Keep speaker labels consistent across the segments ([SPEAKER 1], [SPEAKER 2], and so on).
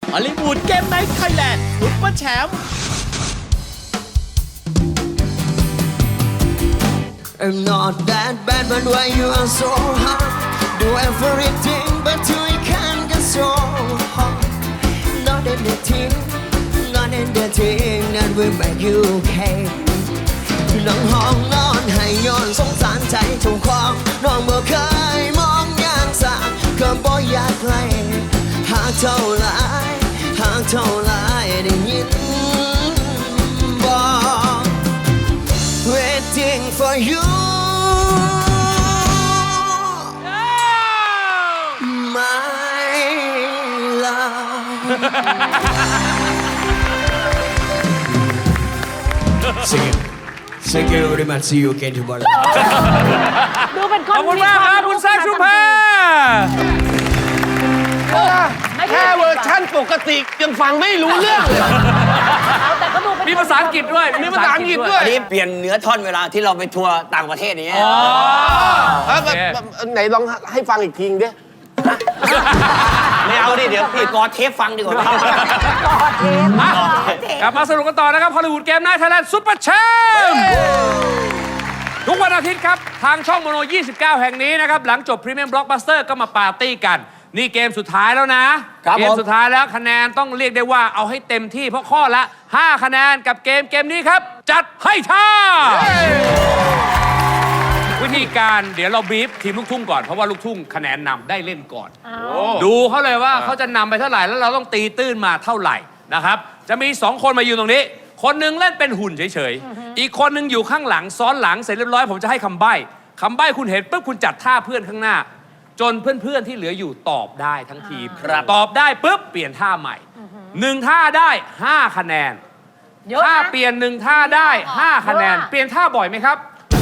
[SPEAKER 1] ฮอลลีวูดเกมไนท์ไทยแลนด์ซุปเปอร์แชมป์
[SPEAKER 2] I'm not that bad, but why you are so hard? Do everything, but you can't get so hard. Not anything that will make you okay. น้องห้องนอนให้ย้อนสงสารใจเจ้าของน้องบ่เคยมองอย่างสาก็บ่อยากไกลหากเท่าไรได้ยินบ่ Waiting for you my love Thank you very much. See you again tomorrow.
[SPEAKER 3] ดูเป็นคน
[SPEAKER 4] ขอบคุณมากครับคุณแซคชุมแพร
[SPEAKER 5] แค่เวอร์ชั่นปกติยังฟังไม่รู้เรื่องเลย
[SPEAKER 3] แต่ก็ดูเป็น
[SPEAKER 4] มีภาษาอังกฤษด้วย
[SPEAKER 5] มีภาษาอังกฤษด้วย
[SPEAKER 6] อันนี้เปลี่ยนเนื้อท่อนเวลาที่เราไปทัวร์ต่างประเทศอย่างเงี้ย
[SPEAKER 5] ไหนลองให้ฟังอีกทีดิ
[SPEAKER 6] ไม่เอาดิเดี๋ยวพี่กอเทปฟังดีกว่า
[SPEAKER 4] กลับมาสนุกกันต่อนะครับฮอลลีวูดเกมไนท์ไทยแลนด์ซุปเปอร์แชมป์ทุกวันอาทิตย์ครับ ทางช่องโมโน 29 แห่งนี้นะครับ หลังจบพรีเมียมบล็อกบัสเตอร์ก็มาปาร์ตี้กัน นี่เกมสุดท้ายแล้วนะ เกมสุดท้ายแล้วคะแนนต้องเรียกได้ว่าเอาให้เต็มที่เพราะข้อละ 5 คะแนนกับเกมนี้ครับ จัดให้ท่า วิธีการเดี๋ยวเราบีฟทีมลูกทุ่งก่อนเพราะว่าลูกทุ่งคะแนนนำได้เล่นก่อน ดูเขาเลยว่าเขาจะนำไปเท่าไหร่แล้วเราต้องตีตื้นมาเท่าไหร่นะครับจะมี2คนมายืนตรงนี้คนหนึงเล่นเป็นหุ่นเฉยๆอีกคนหนึงอยู่ข้างหลังซ้อนหลังเสร็จเรียบร้อยผมจะให้คำใบ้คุณเห็นปุ๊บคุณจัดท่าเพื่อนข้างหน้า จนเพื่อนๆที่เหลืออยู่ตอบได้ทั้งทีมตอบได้ปุ๊บเปลี่ยนท่าใหม่1ท่าได้5คะแนนถ้าเปลี่ยน1ท่าได้5คะแนนเปลี่ยนท่าบ่อยไหมครับ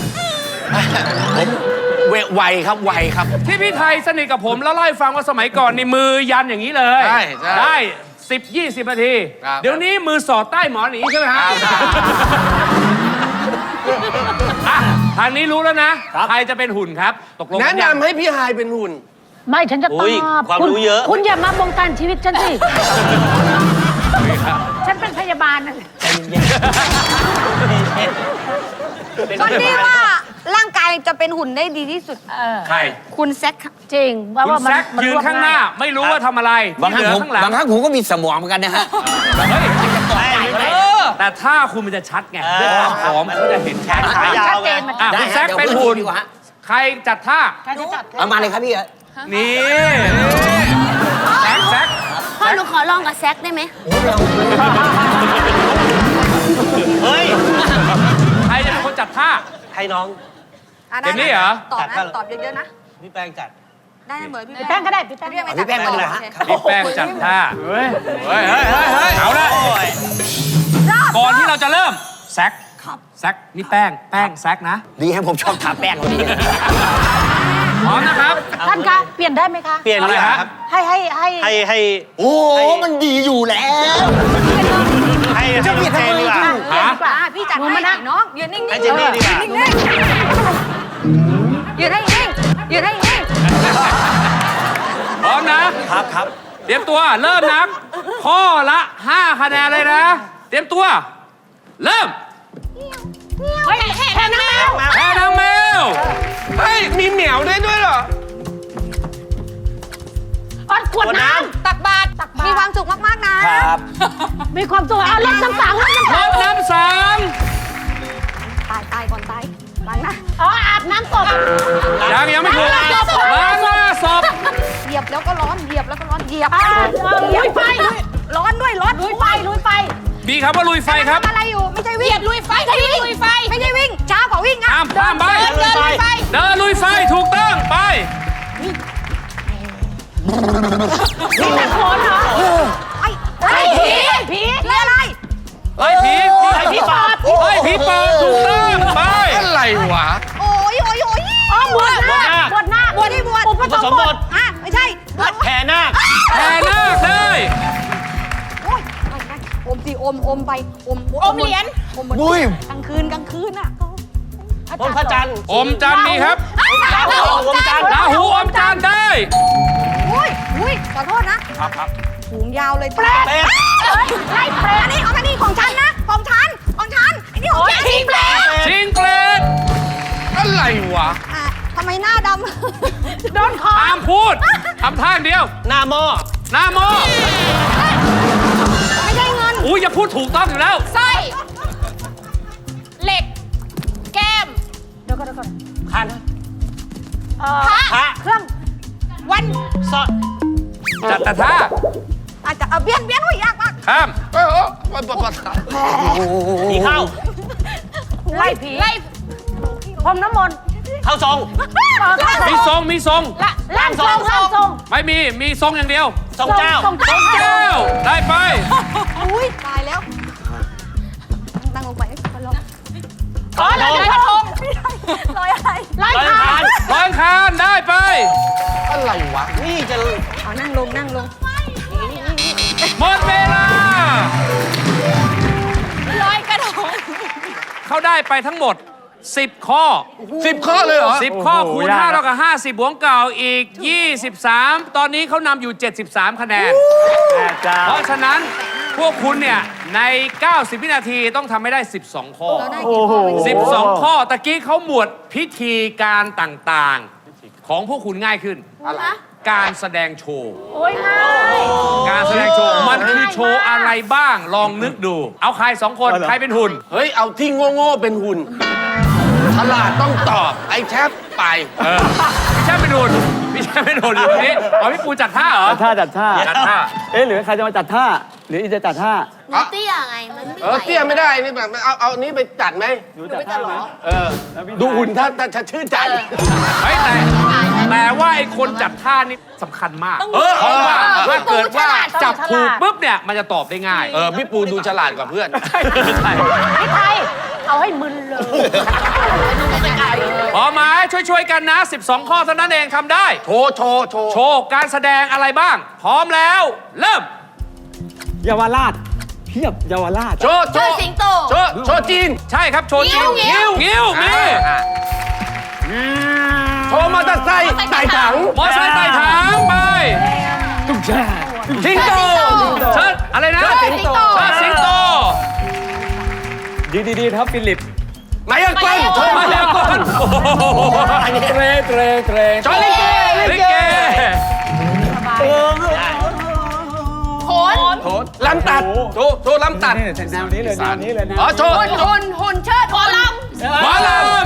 [SPEAKER 5] ไวครับไวครับ
[SPEAKER 4] ที่พี่ไทยสนิทกับผมแล้วเล่าให้ฟังว่าสมัยก่อนนี่มือยันอย่างนี้เลย
[SPEAKER 5] ใช่
[SPEAKER 4] ได้10-20 นาที
[SPEAKER 5] ครับ
[SPEAKER 4] เดี๋ยวนี้มือสอดใต้หมอนอย่างนี้ใช่ไหมฮะอ่ะทางนี้รู้แล้วนะใครจะเป็นหุ่นครับตกลง
[SPEAKER 5] แนะนำให้พี่ฮายเป็นหุ่น
[SPEAKER 3] ไม่ฉันจะตอบ
[SPEAKER 6] ความรู้เยอะ
[SPEAKER 3] คุณอย่ามาบงการชีวิตฉันสิ ฉันเป็นพยาบาลนะ
[SPEAKER 7] คนที่ว่าร่างกายจะเป็นหุ่นได้ดีที่สุด
[SPEAKER 4] ใคร
[SPEAKER 7] คุณแซคครับ
[SPEAKER 3] จริงว่า
[SPEAKER 4] คุณ
[SPEAKER 3] ว่ามัน
[SPEAKER 4] แซคยืนข้างหน้าไม่รู้ว่าทำอะไร
[SPEAKER 6] บางครั้
[SPEAKER 4] ที่
[SPEAKER 6] ง
[SPEAKER 4] เหลื
[SPEAKER 6] ผม
[SPEAKER 4] อข้างหลัง
[SPEAKER 6] บางครั้งผมก็มีสมองเหมือนกันนะฮะ
[SPEAKER 4] แต่ถ้าคุณมันจะชัดไงด้วยความผอมเขาจะเห็นชัด
[SPEAKER 3] ชัดเจนมัน
[SPEAKER 4] อ่ะคุณแซคเป็นหุ่นใครจัดท่า
[SPEAKER 3] ใครจะจัด
[SPEAKER 6] เอามาเลยครับพี่
[SPEAKER 4] นี่แซค
[SPEAKER 7] พ่อหนูขอลองกับแซคได้ไหม
[SPEAKER 6] เฮ้ย
[SPEAKER 4] ใครจะเป็นคนจัดท่า
[SPEAKER 5] ให้น้อง
[SPEAKER 4] เดี๋ยวนี้เหรอ
[SPEAKER 7] ตอบนะตอบเยอะๆนะ
[SPEAKER 5] พี่แป้งจัด
[SPEAKER 7] ได้เหมือนพี่
[SPEAKER 3] พี่แป้งก็ได้พี่แป้ง
[SPEAKER 6] พี่แป้งมาดีกว่าฮะ
[SPEAKER 4] พี่แป้งจัดท่า
[SPEAKER 5] เฮ้ย
[SPEAKER 4] เอาละก่อนที่เราจะเริ่มแซคแซคนี่แป้งแซคนะ
[SPEAKER 6] ดีให้ผมชอบทาแป้งกว่านี้
[SPEAKER 4] พร้อมนะครับ
[SPEAKER 3] ท่านคะเปลี่ยนได้ไหมคะ
[SPEAKER 5] เปลี่ยน
[SPEAKER 4] อะไร
[SPEAKER 5] เลย
[SPEAKER 4] ฮะ
[SPEAKER 5] ครับ
[SPEAKER 3] ให้
[SPEAKER 6] โอ้มันดีอยู่แล้ว
[SPEAKER 5] ให้จะมีเจนดีกว่า
[SPEAKER 4] ฮะ
[SPEAKER 7] พี่จัดให้น้องยืนนิ่งๆ
[SPEAKER 5] ให้เจนนี่ดีกว่า
[SPEAKER 7] นิ่งๆยืนให้นิ่งยืนให้นิ่ง
[SPEAKER 4] พร้อมนะครับ
[SPEAKER 6] ครับ
[SPEAKER 4] เตรียมตัวเริ่มนับข้อละ 5 คะแนนเลยนะ เตรียมตัว เริ่ม
[SPEAKER 3] เฮ้ยแค่นั้นแล้ว
[SPEAKER 4] แพ้นางแมว
[SPEAKER 5] เฮ้ย มีเหมียวด้วยเหรอ
[SPEAKER 3] ขวดน้
[SPEAKER 7] ตักบาตรมีความสุขมากๆนะครับ
[SPEAKER 3] ำมีความสุขเอารถน้ำสังรถน้ำ
[SPEAKER 4] ร
[SPEAKER 3] สัง
[SPEAKER 4] ดน้ำสัง
[SPEAKER 7] ตายก่อนตายล้างนะ
[SPEAKER 3] อ๋ออาบน้ำศพ
[SPEAKER 4] ยังไม่ถูกล้างหน้าศพ
[SPEAKER 7] เหยียบแล้วก็ร้อนเหยียบแล้วก็ร้อนเหยียบ
[SPEAKER 3] ลุยไฟ
[SPEAKER 7] ร้อนด้วยร้อน
[SPEAKER 3] ลุยไฟลุยไฟ
[SPEAKER 4] มีคำว่าลุยไฟครับ
[SPEAKER 7] อะไรอยู่ไม่ใช่วิ่งลุยไฟไม่ใช่วิ่งลุยไฟไม่ใช่วิ่งช้ากว่าวิ่งอ่ะ
[SPEAKER 4] ข้ามไป
[SPEAKER 7] เดินลุยไฟ
[SPEAKER 4] เดินลุยไฟถูกต้องไป
[SPEAKER 3] นี่ตะโขนเหรอ
[SPEAKER 7] ไอ้ผีผีอะไร
[SPEAKER 4] ไล่ผีปอบถูกต้องไป
[SPEAKER 5] อะไรวะ
[SPEAKER 7] โอ้ย
[SPEAKER 3] อ๋อบวชหน้าบวชหน้า
[SPEAKER 7] บวชที่บวช
[SPEAKER 3] อุปสมบท
[SPEAKER 7] อ่ะไม่ใช่บวช
[SPEAKER 5] แผ่นาค
[SPEAKER 4] แผ่นาคได้
[SPEAKER 7] โอ้ยอมสิอมไปอมเหรียญอมกลางคืนอ่ะ
[SPEAKER 5] บนพระจันทร์
[SPEAKER 4] อมจันทร์มีครับ
[SPEAKER 7] ราหูอมจันทร์
[SPEAKER 4] ราหูอมจันทร์ได้
[SPEAKER 7] อุ้ยขอโทษนะถุงยาวเลย
[SPEAKER 3] เปรต ไล่เปรต
[SPEAKER 7] อันนี้ของของฉันนะของฉันอันนี้ของฉัน
[SPEAKER 3] ชิงเปรต
[SPEAKER 4] ชิงเกรด
[SPEAKER 5] อะไรวะ
[SPEAKER 7] อ่ะทำไมหน้าด
[SPEAKER 3] โดนคอ
[SPEAKER 4] ห้ามพูดทำท่าอย่างเดียว
[SPEAKER 6] หน้าหม้อ
[SPEAKER 4] หน้าโม
[SPEAKER 7] ำไม่ใช่เงิน
[SPEAKER 4] อุ้ยอย่าพูดถูกต้องอยู่แล้ว
[SPEAKER 3] สร้อยเหล็ก แก้ม เดี๋ยวก่อน
[SPEAKER 6] คัน
[SPEAKER 3] พระเครื่อง วัน
[SPEAKER 6] ซอด
[SPEAKER 4] จัดแต่ท่า
[SPEAKER 7] อาจจะเบี้ยนหุ่ยยากมาก
[SPEAKER 4] ข้าม
[SPEAKER 6] ผีเข้า
[SPEAKER 3] ไล่ผีไล่พรมน้ำมนต์
[SPEAKER 6] เข้าทรง
[SPEAKER 4] มีทรงมีทรง
[SPEAKER 3] ล่างทรงล่างทรง
[SPEAKER 4] ไม่มีทรงอย่างเดียว
[SPEAKER 6] ทรงเจ้า
[SPEAKER 3] ทรง
[SPEAKER 4] ทรงเจ้าได้ไป
[SPEAKER 7] อุ้ยตายแล้วนั่งลงไปลอย
[SPEAKER 3] อ๋อลอยกระทง
[SPEAKER 7] ลอยอะไร
[SPEAKER 3] ลอยคาน
[SPEAKER 4] ร้อยคานได้ไป
[SPEAKER 5] อะไรวะ
[SPEAKER 6] นี่จะ
[SPEAKER 7] เอานั่งลง
[SPEAKER 4] หมดเวลา
[SPEAKER 3] ลอยกระทง
[SPEAKER 4] เขาได้ไปทั้งหมด 10 ข้อ
[SPEAKER 5] 10 ข้อเลยเหรอ
[SPEAKER 4] 10 ข้อคูณ5เท่ากับ50บวกเก่าอีก 23 ตอนนี้เขานำอยู่ 73 คะแนน เพราะฉะนั้นพวกคุณเนี่ย ใน 90 วินาทีต้องทำให้ได้ 12 ข้อ
[SPEAKER 7] เราได้กี่ข้อ
[SPEAKER 4] 12 ข้อตะกี้เขาหมวดพิธีการต่างๆ ของพวกคุณง่ายขึ้น การแสดงโชว์
[SPEAKER 3] โอ้ยง่าย
[SPEAKER 4] การแสดงโชว์ มันคือโชว์อะไรบ้าง ลองนึกดู เอาใคร 2 คน ใครเป็นหุ่น
[SPEAKER 5] เฮ้ย เอาที่โง่ๆเป็นหุ่น ฉลาดต้องตอบ ไอ้แทบไป
[SPEAKER 4] พี่แช่เป็นหุ่นพี่แช่เป็นหุ่นอยู่ตรงนี้อ๋อพี่ปูจัดท่าเหรอ
[SPEAKER 8] จัดท่า
[SPEAKER 4] จัดท่า
[SPEAKER 8] เอ๊ะหรือใครจะมาจัดท่า หรืออีจะจัดท่า
[SPEAKER 7] มันเตี้ยไง มันไม่ไหว
[SPEAKER 5] เตี้ยไม่ได้ นี่แบบเอานี้ไปจัดไหม
[SPEAKER 8] หนูจัดท่าไหม
[SPEAKER 5] ดูหุ่นถ้าชื่นใจ
[SPEAKER 4] เฮ้ยแต่ว่าไอ้คนจัดท่านี่สำคัญมาก เพราะว่าถ้าเกิดว่าจับถูกปุ๊บเนี่ยมันจะตอบได้ง่าย
[SPEAKER 5] พี่ปูดูฉลาดกว่าเพื่อน
[SPEAKER 3] พี่ไทย เอาให้มึนเลย
[SPEAKER 4] พอไหมช่วยๆกันนะ 12 ข้อเท่านั้นเองทำได้
[SPEAKER 5] โชว์
[SPEAKER 4] โชว์การแสดงอะไรบ้าง พร้อมแล้ว เริ่ม
[SPEAKER 8] เยาวราชเพียบเยาวราช
[SPEAKER 5] โชว์
[SPEAKER 7] สิงโต
[SPEAKER 5] โชว์จีน
[SPEAKER 4] ใช่ครับโชว์จริง
[SPEAKER 3] งิ้ว
[SPEAKER 4] งิ้วมี
[SPEAKER 5] โชว์มอเตอร์ไซค์ไต่ถัง
[SPEAKER 4] มอไซค์ไต่ถังไป
[SPEAKER 8] ตุ้งแช่
[SPEAKER 5] สิงโต
[SPEAKER 4] เชิดอะไรนะ
[SPEAKER 7] สิงโต
[SPEAKER 4] เชิดสิงโต
[SPEAKER 8] ดีครับฟิลิป
[SPEAKER 5] ไมค์กลโชว์
[SPEAKER 4] มาแล้วก่อนโอ้โห
[SPEAKER 8] เตร
[SPEAKER 5] โชว์ลิเก
[SPEAKER 4] ลิเก
[SPEAKER 3] โขน
[SPEAKER 5] ลำตัดโชว์ลำตัด
[SPEAKER 8] แนวนี้เลยแนวนี้เลยนะ
[SPEAKER 5] อ๋อโชว์
[SPEAKER 3] หุ่นเชิดหมอล
[SPEAKER 4] หมอลำ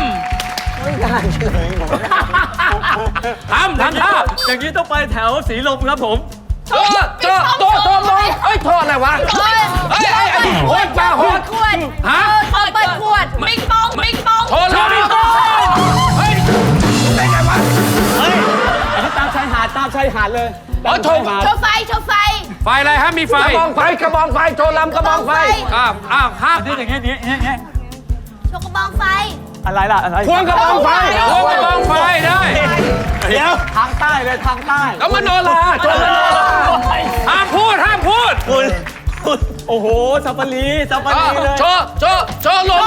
[SPEAKER 4] ทำท่า
[SPEAKER 8] อย่างนี้ต้องไปแถวสีลมครับผม
[SPEAKER 5] โชว์มองเอ้ยโชว์อะไรวะ
[SPEAKER 3] ำ
[SPEAKER 5] เฮ้ยโอ้ยปลาโหด
[SPEAKER 3] ขวด
[SPEAKER 4] ฮะ
[SPEAKER 3] เปิดขวดมิงปอง
[SPEAKER 5] โชว์ลำตัดเฮ้ยได้ไงวะ
[SPEAKER 8] อันนี้ตามชายหาดเลย
[SPEAKER 5] อ๋อโชว์
[SPEAKER 3] โชว์ไฟ
[SPEAKER 4] ไฟอะไรฮะมีไฟ
[SPEAKER 5] กระบองไฟโชว์ลำกระบองไฟ
[SPEAKER 4] ห้าม
[SPEAKER 8] นี่อย่างเงี้ย
[SPEAKER 3] โชว์กระบองไฟ
[SPEAKER 8] อะไรล่ะอะไร
[SPEAKER 5] ควงกระบองไฟ
[SPEAKER 4] โอ้กระบองไฟได้
[SPEAKER 8] เดี๋ยวทางใต้เลยทางใต้
[SPEAKER 5] แล้วมโนราโชว์มโนรา
[SPEAKER 4] ห้ามพูด
[SPEAKER 8] โอ้โหซาฟารีเลย
[SPEAKER 5] โชว์โลมา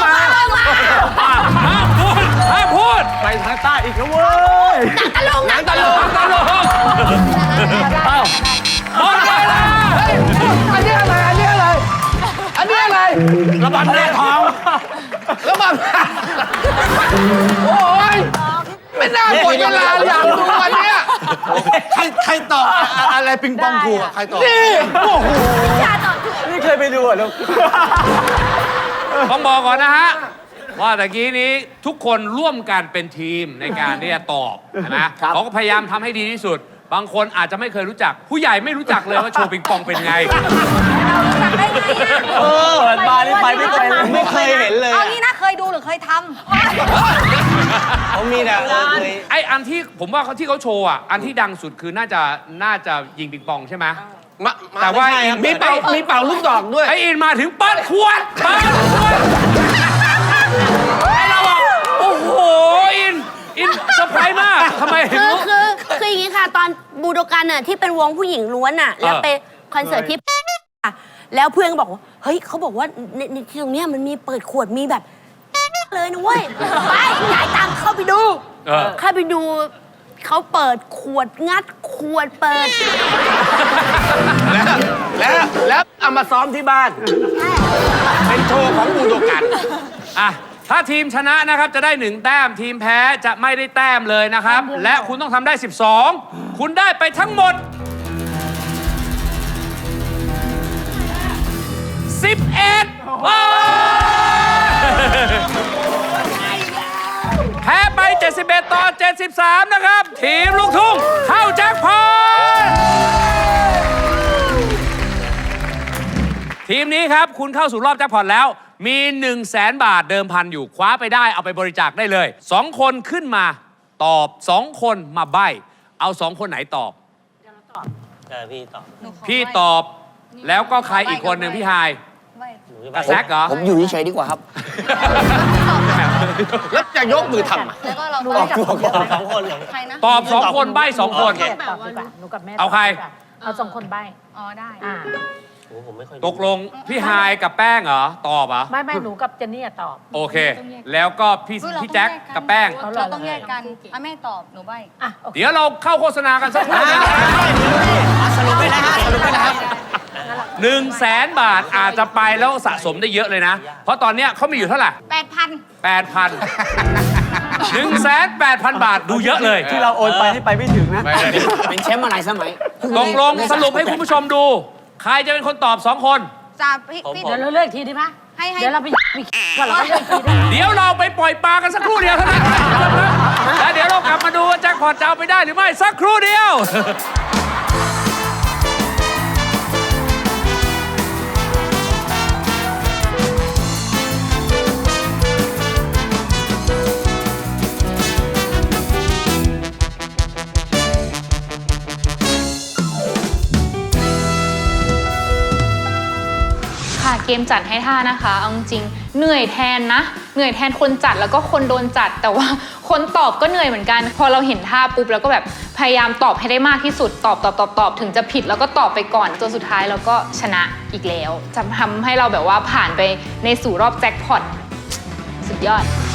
[SPEAKER 4] ห้ามพูด
[SPEAKER 8] ไปทางใต้อีกแล้วเว้ย
[SPEAKER 5] หนังตะลุง
[SPEAKER 4] หมดเวลา
[SPEAKER 5] อันนี้อะไรระบำแร่ทองระบำโอ้ยไม่น่าหมดเวลาอยากดูอันเนี้ยใครตอบอะไรปิงปองกูอ่ะใครตอบนี่โอ้โห
[SPEAKER 8] นี่เคยไปดูอ่ะลูก
[SPEAKER 4] ต้องบอกก่อนนะฮะ ว่าตะกี้นี้ทุกคนร่วมกันเป็นทีมในการที่จะตอบนะเขาก็พยายามทำให้ดีที่สุด บางคนอาจจะไม่เคยรู้จัก ผู้ใหญ่ไม่รู้จักเลยว่าโชว์ปิงปองเป็นไง
[SPEAKER 8] เปิดมานี่ไปไม่เป็นเลย
[SPEAKER 6] ไม่เคยเห็นเลย
[SPEAKER 7] เอางี้นะเคยดูหรือเคยท
[SPEAKER 6] เขามีแต่เคย
[SPEAKER 4] ไออันที่ผมว่าที่เขาโชว์อ่ะ อันที่ดังสุดคือน่าจะยิงปิงปองใช่ไหม แต่ว่าอิน
[SPEAKER 5] มีเป่าลูกดอกด้วย
[SPEAKER 4] ไออินมาถึงเปิดขวดไอเราบอกโอ้โหอินเซอร์ไพรส์มากทำไมถึงรู้
[SPEAKER 9] คืออย่างนี้ค่ะ ตอนบูโดกันน่ะที่เป็นวงผู้หญิงล้วนน่ะ แล้วไปคอนเสิร์ตที่อ่ะแล้วเพื่อนก็บอกว่าเฮ้ยเขาบอกว่าในที่ตรงเนี้ยมันมีเปิดขวดมีแบบเลยนะเว้ยไปจ่ายตังค์เข้าไปดูเขาเปิดขวดงัดขวดเปิด
[SPEAKER 5] แล้วเอามาซ้อมที่บ้าน เป็นโชว์ของบูโดกัน
[SPEAKER 4] อ่ะ ถ้าทีมชนะนะครับจะได้ 1 แต้ม ทีมแพ้จะไม่ได้แต้มเลยนะครับ และคุณต้องทำได้ 12 คุณได้ไปทั้งหมด 11ว้าวแพ้ไป 71 ต่อ 73 นะครับ ทีมลูกทุ่งเข้าแจ็คพอต ทีมนี้ครับ คุณเข้าสู่รอบแจ็คพอตแล้ว มี 100,000 บาทเดิมพันอยู่คว้าไปได้เอาไปบริจาคได้เลย 2 คนขึ้นมาตอบ 2 คนมาใบ้เอา 2 คนไหนตอบ
[SPEAKER 6] พี่ตอบ
[SPEAKER 4] พี่ตอบแล้วก็ใครอีกคนหนึ่งพี่ไฮายกระแซกเหรอ
[SPEAKER 2] ผมอยู่เฉยๆดีกว่าครับ
[SPEAKER 5] แล้วจะยกมือทำไม
[SPEAKER 7] แล้วก็เรา
[SPEAKER 6] ตอบสองคนเหรอ
[SPEAKER 7] ใครนะ
[SPEAKER 4] ตอบ 2 คนใบ้ 2 คน
[SPEAKER 3] ตอบดีกว่าหนูกับแม่
[SPEAKER 4] เอาใคร
[SPEAKER 3] เอา2 คนใบ้
[SPEAKER 7] อ๋อได้
[SPEAKER 3] อ่า
[SPEAKER 6] โอ้ผมไม่ค่อย
[SPEAKER 4] ตกลงพี่ไฮายกับแป้งเหรอ ตอบเหรอ
[SPEAKER 3] ไม่หนูกับเจนนี่อะตอบ
[SPEAKER 4] โอเค แล้วก็พี่แจ็คกับแป้ง
[SPEAKER 7] เราต้องแยกกันอ่ะแม่ตอบหนูใบ
[SPEAKER 3] อ่ะโอเค
[SPEAKER 4] เดี๋ยวเราเข้าโฆษณากันสักครู่
[SPEAKER 6] สรุปไปนะฮะสรุปไปนะครับ
[SPEAKER 4] 100,000 บาทอาจจะไปแล้วสะสมได้เยอะเลยนะ เพราะตอนเนี้ยเขามีอยู่เท่าไหร่
[SPEAKER 7] 8,000
[SPEAKER 4] 180,000 บาทดูเยอะเลย
[SPEAKER 8] ที่เราโอนไปให้ไปไม่ถึงนะ
[SPEAKER 2] เป็นแชมป์มาหลายสมัย
[SPEAKER 4] ตกลงสรุปให้คุณผู้ชมดู ใครจะเป็นคนตอบ 2 คน
[SPEAKER 7] จะพี่
[SPEAKER 3] เดี๋ยวเราเลือกอีกทีได้ไหม
[SPEAKER 7] ให้
[SPEAKER 3] เดี๋ยวเราไปก่อนเราเลือกอีกทีได้ไหม
[SPEAKER 4] เดี๋ยวเราไปปล่อยปลากันสักครู่เดียวเท่านั้นแล้วเดี๋ยวเรากลับมาดูว่าแจ็คพอตจะเอาไปได้หรือไม่สักครู่เดียว
[SPEAKER 10] ค่ะเกมจัดให้ท่านะคะเอาจริงๆเหนื่อยแทนนะเหนื่อยแทนคนจัดแล้วก็คนโดนจัด แต่ว่าคนตอบก็เหนื่อยเหมือนกัน พอเราเห็นท่าปุ๊บแล้วก็แบบพยายามตอบให้ได้มากที่สุดตอบถึงจะผิดแล้วก็ตอบไปก่อนจนสุดท้ายเราก็ชนะอีกแล้วจะทำให้เราแบบว่าผ่านไปในสู่รอบแจ็คพอตสุดยอด